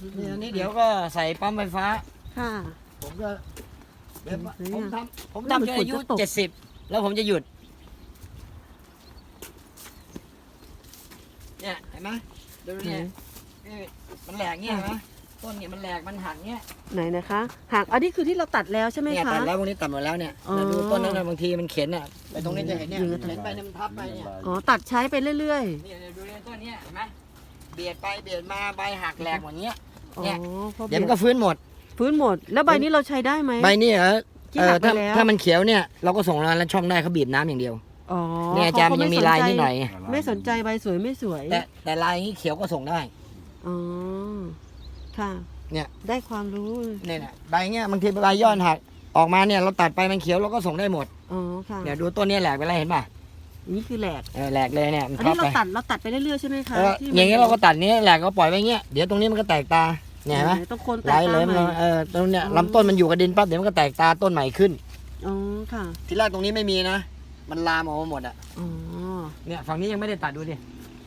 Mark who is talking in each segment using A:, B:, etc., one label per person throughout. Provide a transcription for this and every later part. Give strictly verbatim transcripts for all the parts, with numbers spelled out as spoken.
A: นี่อันนี้เดี๋ยวก็ใส่ปั๊มไฟฟ้า
B: ค่ะ
A: ผมก็เดี๋ยว
B: ซื้อ
A: ผม
B: ยัง
A: ทำผมทำจนอายุ
B: ฝนจะตก
A: เจ็ดสิบแล้วผมจะหยุดเนี่ยเห็นไหมดูเนี่ยนี่มันแหลกเงี้ยเห็นไหมต้นเนี่ยมันแหลกมันหักเงี้ย
B: ไหนนะคะหักอันนี้คือที่เราตัดแล้วใช่ไหม
A: เนี่ย
B: คะ
A: ตัดแล้วพวกนี้ตัดหมดแล้วเนี่ย
B: อ๋อ
A: แล้วดูต้นนั้นนะบางทีมันเข็นอ่ะไปตรงนี้จะเห็นเนี่ย
B: อืม
A: เข็นไปเนี่ยมันทับไปเนี่ย
B: อ๋อตัดใช้ไปเรื่อย
A: เนี่ยดูเนี่ยต้นเนี้ยเห็นไหมเบียดไปเบียดมาใบหักแหลกหมดเงี้ย
B: ๆอ๋อ
A: เนี่ย
B: พอ
A: เดี๋ยวมัน
B: ก็
A: ก็ฟื้นหมด
B: ฟื้นหมด แล้วใบนี้เราใช้ได้ไหม
A: ใบนี้เหรอ
B: ที่
A: เอ
B: หั
A: อก
B: ไป
A: ถ้า
B: แล้ว
A: ถ้ามันเขียวเนี่ยเราก็ส่งร้านแล้วช่องได้เขาบีบน้ำอย่างเดียว
B: อ๋อ
A: เนี่ยอาจารย์มันยังมีลายนิดหน่อยไง
B: ไม่สนใจใบสวยไม่สวย
A: แต่แต่ลายอย่างนี้เขียวก็ส่งได้
B: อ๋อค่ะ
A: เนี่ย
B: ได้ความรู้
A: เนี่ยนะใบเงี้ยบางทีใบยอดหักออกมาเนี่ยเราตัดไปมันเขียวเราก็ส่งได้หมด
B: อ๋อค่ะ
A: เนี่ยดูต้นเนี้ยแหลกไปแล้วเห็นป่ะ
B: นี่คือแหลก
A: เออแหลกเลยเนี่ยมัน
B: อัน
A: ทั
B: นี้
A: บ
B: เรา
A: ไป
B: ตัดเราตัดไปเรื่อยๆใช่ไหมคะ
A: เออ
B: ที่
A: อย่างเงี้ยเราก็ตัดเนี้ยแหลกก็ปล่อยไว้เงี้ยเดี๋ยวตรงนี้มันก็แตกตาเนี่ยเห็นไหม
B: ต้องโคนแต
A: ไหล
B: ก
A: เล
B: ตาย ใหม่
A: เออตรงเนี้ยลำต้นมันอยู่กับดินปั๊บเดี๋ยวมันก็แตกตาต้นใหม่ขึ้น
B: อ๋อค่ะ
A: ทีแรกตรงนี้ไม่มีนะมันลามออกมาหมดอ่ะ
B: อ๋อ
A: เนี่ยฝั่งนี้ยังไม่ได้ตัดดูดิ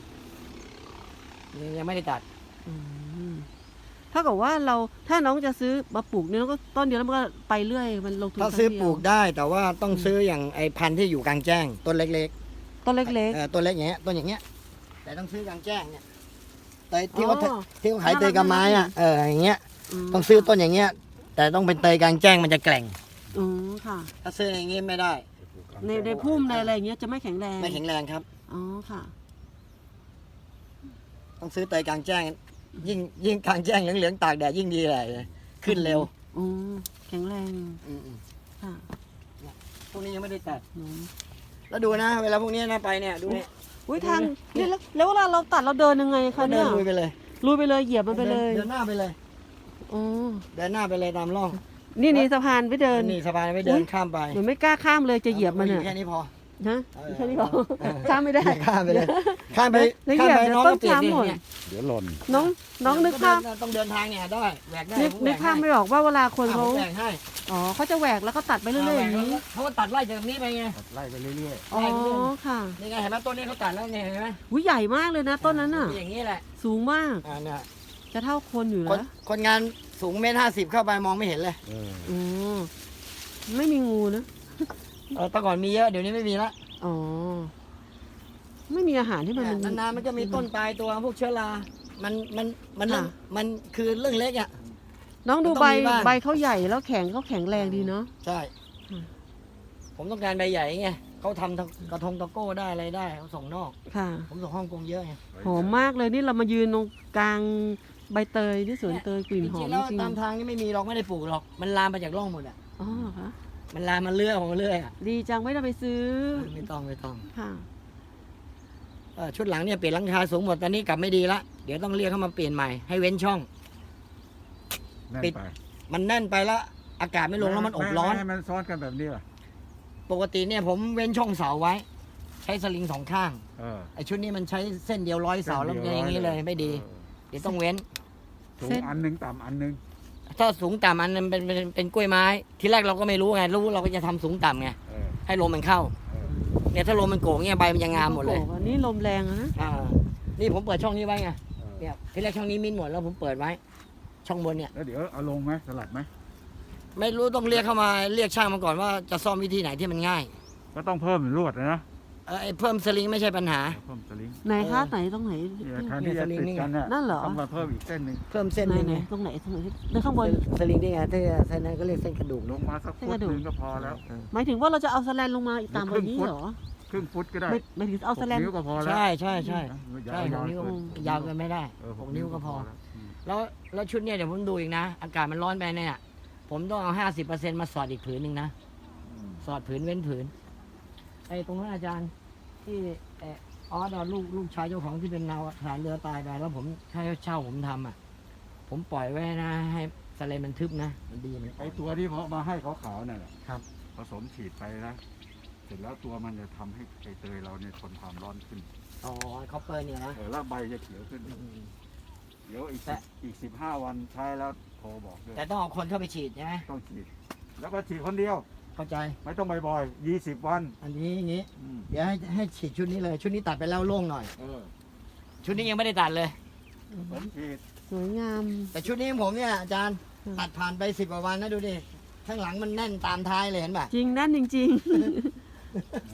A: ยังไม่ได้ตัด
B: อืมเท่ากับว่าเราถ้าน้องจะซื้อมาปลูกเนี่ยเราก็ต้นเดียวแล้วมันก็ไปเรื่อยมันลงทุน
A: ถ้า
B: ครั้ง
A: ซื้อ
B: เดียว
A: ปลูกได้แต่ว่าต้องซื้ออย่างไอ้พันธุ์ที่อยู่กลางแจ้งต้นเล็ก
B: ต้น
A: ๆ
B: เล็ก
A: เออต้นเล็กอย่างเงี้ยต้นอย่างเงี้ยแต่ต้องซื้อกลางแจ้งเนี่ยเตยที่
B: อ๋อ
A: เขาที่เขาขายเตยกระไม้อ่ะเอออย่างเงี้ย
B: ๆ
A: ต้องซื้อต้นอย่างเงี้ยแต่ต้องเป็นเตยกลางแจ้งมันจะแกร่ง
B: อืมค่ะ
A: ถ้าซื้ออย่างงี้ไม่ได้
B: ในในพุ่มในอะไรอย่างเงี้ยจะไม่แข็งแรง
A: ไม่แข็งแรงครับ
B: อ๋อค่ะ
A: ต้องซื้อเตยกลางแจ้ง ยิ่งยิ่งกลางแจ้งเหลืองๆตากแดดยิ่งดีเลยขึ้นเร็ว
B: อืมแข็งแรง
A: อืม
B: ค่ะ
A: ๆพวกนี้ยังไม่ได้ตัด
B: อืม
A: แล้วดูนะเวลาพวกนี้นะไปเนี่ยดูเนี่ย
B: อุ้ยทางเนี่ยแล้วแล้วเวลาเราตัดเราเดินยังไงคะ
A: เดิ
B: เนี่ย
A: นลุยไปเลย
B: ลุยไปเลยเหยียบมันไปเลย
A: เดินหน้าไปเลย
B: อ๋อ
A: เดินหน้าไปเลยตามร่อง
B: นี่นี่สะพานไปเดิน
A: นี่สบายไปเดินข้ามไป
B: เหมือนไม่กล้าข้ามเลยจะเหยียบมัน
A: อยู่
B: อ่ะ
A: แค่นี้พอ
B: ฮะ
A: เออ
B: แค่นี้พอ
A: เออ
B: ข้ามไม่ได้
A: ข้ามไปเลยข้ามไป
B: แล้วเห
A: ข้าม
B: ยียบ
A: ไป
B: เดี๋ยว
A: น้อง
B: ต้
A: ก็
B: น
A: เปลี่ยน
B: ช้ำ
A: ดิ
B: หมด
A: เนี่ย
C: เดี๋ยวหล่น
B: น้องน้องนึกภาพ
A: ต้องเดินทางเนี่ยได้แหวกได้
B: นึก
A: ผมแหว
B: นึกภาพ
A: ให้
B: ไม่ออกว่าเวลาคนเขา
A: อ่ะผมแหวกให้
B: อ๋อเขาจะแหวกแล้วก็ตัดไปเรื่อยๆอย่างนี้
A: เขาก็ตัดไล่จากนี้ไปไง
C: ไล่ไปเรื่อย
B: อ๋อค่ะ
A: นี่ไงเห็นไหมต้นนี้เขาตัดแล้วเนี่ยเห็นไหม
B: วิใหญ่มากเลยนะต้นนั้นน่ะ
A: อย่างนี้แหละ
B: สูงมาก
A: อ่าเนี่ย
B: จะเท่าคนอยู่
A: คน
B: แล้ว
A: คนงานสูงเมตรห้าสิบเข้าไปมองไม่เห็นเลย
C: ๆเออ
B: อ๋อไม่มีงูนะ
A: เออแต่ก่อนมีเยอะเดี๋ยวนี้ไม่มีละ
B: อ๋อไม่มีอาหารที่มัน
A: เนี่ย
B: มัน
A: นานๆมันก็มีต้นตายตัวพวกเชื้อรา มันมันมันเรื่อง
B: ค่ะ
A: มันคือเรื่องเล็กอ่ะ
B: น้องดู
A: มันต้
B: ใบ
A: องมีบ้าง
B: ใบเขาใหญ่แล้วแข็งเขาแข็งแรงดีเนาะ
A: ใช่
B: อืม
A: ผมต้องการใบใหญ่ไงเขาทำกระทงตะโก้ได้อะไรได้เขาส่งนอก
B: ค่ะ
A: ผมส่งฮ่องกงเยอะไง
B: หอมมากเลยนี่เรามายืนตรงกลางใบเตยที่สวนเตยกลิ่น
A: จ
B: หอ
A: ริ
B: ม
A: งๆแล้ว
B: จริง
A: ตามทางนี่ไม่มีหรอกไม่ได้ปลูกหรอก มันลามมาจากร่องหมดอ่ะ
B: อ๋อเหรอคะ
A: มันลามมาเรื่อยของมันเรื่อยอ่ะ
B: ดีจังไม่ต้องไปซื้อ
A: ไม่ต้องไม่ต้อง
B: ค่ะ
A: เออชุดหลังเนี่ยเปลี่ยนหลังคาสูงหมดตอนนี้กลับไม่ดีละเดี๋ยวต้องเรียกเข้ามาเปลี่ยนใหม่ให้เว้นช่อง
C: แน่น
A: ปิด
C: ไป
A: มันแน่นไปแล้วอากาศไม่ลงแล้วมันอบร้อน
C: ไให้มันซ้อนกันแบบนี้ล่ะ
A: ปกติเนี่ยผมเว้นช่องเสาไว้ ใช้สลิงสองข้าง
C: เออ
A: ไอชุดนี้มันใช้เส้นเดียวร้อยเสาแล้วมันอย่างนี้เลยไม่ดี
C: เออ
A: เดี๋ยวต้องเว้น
C: สู
B: เส้
C: ง
B: น
C: อันหนึงต่ำอันหนึง
A: ถ้าสูงต่ำอันนั้นเป็นเป็นเป็นกล้วยไม้ ทีแรกเราก็ไม่รู้ไงรู้เราก็จะทำสูงต่ำไง
C: เออ
A: ให้ลมมันเข้า
C: เออ
A: เนี่ยถ้าลมมันโกงเนี่ยใบมันจะงามหมดเลย
B: โอ้โอันนี้ลมแรงอะนะ
A: อ่านี่ผมเปิดช่องนี้ไว้ไง
C: เออ
A: เนี่ยทีแรกช่องนี้มินหมดแล้วผมเปิดไว้ ช่องบนเนี่ย
C: แล้วเดี๋ยวเอาลงไหมสลับไหม
A: ไม่รู้ต้องเรียกเข้ามาเรียกช่างมาก่อนว่าจะซ่อมวิธีไหนที่มันง่าย
C: ก็ต้องเพิ่มลวดนะ
A: เออไอ้เพิ่มสลิงไม่ใช่ปัญหา
C: เพิ่มสลิง
B: ไหนคะไหนตรงไหน
C: เนี่ยแทนที่จะติดกันน่ะ
B: นั่นเหรอ
C: ต้องมาเพิ่มอีกเส้นหนึ่ง
A: เพิ่มเส้น
B: ไหน
A: นึง
B: ไหน
A: ไง
B: ตรงไหนตรงไหนเดินข้างบน
A: สลิงนี่ไงถ้าเส้นนั้นก็เรียกเส้นกระดูก
C: ล
A: เน
C: ง
A: อะ
C: มาสักฟุตหนึงก็พอแล้ว
A: เออ
B: หมายถึงว่าเราจะเอาสแลนลงมาอีกตามแบบนี้เหรอ
C: ครึ่งฟุตก็ได้
B: ไม่ไม่ถึงเอาสแลน
C: หกนิ้วก็พอแล้ว
A: ใช่ใช่ใช่
C: อย่า
A: ใช่
C: ให้
A: ห
C: น
A: ก
C: อน
A: นิ้ว
C: เกิน
A: ยาวเกินไม่ได้
C: เออ
A: หกนิ้วก็พอ
C: แล้วม
A: แล้วแล้วชุดเนี่ยเดี๋ยวผมดูอีกนะ อากาศมันร้อนไปเนี่ยผมต้องเอาห้าสิบเปอร์เซ็นต์มาสอดอีกผืนหนึ่งนะ
C: อืม
A: สอดผืนเว้นผืนไอ้ตรงนั้นอาจารย์ที่เออออสเอาลูกลูกชายเจ้าของที่เป็นนาวทหารเรือตายไปแล้วผมให้เช่าผมทำอ่ะ ผมปล่อยไว้นะให้สเลนมันทึบนะมันดีมัน
C: ไอตัวที่เขามาให้ขาวๆนั่นแหละ
A: ครับ
C: ผสมฉีดไปนะเสร็จแล้วตัวมันจะทำให้ไอเตยเราเนี่ยทนความร้อนขึ้น
A: อ๋อคอปเปอร์เนี่ยนะ
C: เออแล้วใบจะเขียวขึ้น
A: อืม
C: เดี๋ยวอีก
A: แต่
C: สิบอีกสิบห้าวันใช้แล้วโทรบอกด้วย
A: แต่ต้องเอาคนเข้าไปฉีดใช่ไหม
C: ต้องฉีด แล้วก็ฉีดคนเดียว
A: เข้าใจ
C: ไม่ต้องบ่อยๆยี่สิบวัน
A: อันนี้อย่างนี้
C: อืม
A: เดี๋ยวให้ให้ฉีดชุดนี้เลย ชุดนี้ตัดไปแล้วโล่งหน่อย
C: เออ
A: ชุดนี้ยังไม่ได้ตัดเลย
C: ผมฉีด
B: สวยงาม
A: แต่ชุดนี้ของผมเนี่ยอาจารย์
B: อืม
A: ตัดผ่านไปสิบกว่าวันนะดูดิข้างหลังมันแน่นตามท้ายเลยเห็นป่ะ
B: จริงนั่นจริง